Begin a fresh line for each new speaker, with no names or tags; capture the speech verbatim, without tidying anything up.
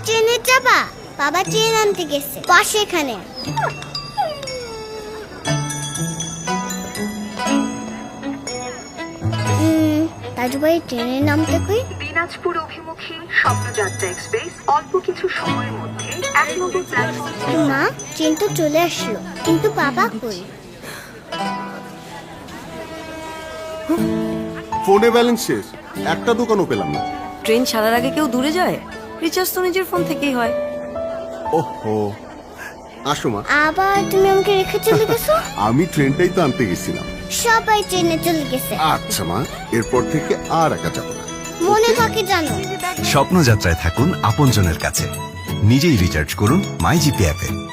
ট্রেনে যাবা? বাবা ট্রেন আনতে গেছে পাশে এখানে। রাজু ভাই ট্রেনের নামটা কই?
দিনাজপুর অভিমুখী স্বপ্নযাত্রা এক্সপ্রেস অল্প কিছু সময়ের মধ্যে এক নম্বর প্ল্যাটফর্ম।
মা ট্রেন তো চলে আসলো, কিন্তু বাবা কই?
ফোনে ব্যালেন্স শেষ, একটা দোকানও পেলাম না।
ট্রেন ছাড়ার আগে কেউ দূরে যায়? রিচার্জ তো নিজের ফোন থেকেই হয়।
ওহো, আসো মা।
আবার তুমি আমাকে রেখে চলে গেছো?
আমি ট্রেনটাই তো আনতে গেছিলাম।
সবাই ট্রেনে চলে গেছে।
আচ্ছা মা, এরপর থেকে আর একা যাবো না।
মনে থাকে জানো।
স্বপ্নযাত্রায় থাকুন আপনজনের কাছে। নিজেই রিচার্জ করুন মাই জিপি অ্যাপে।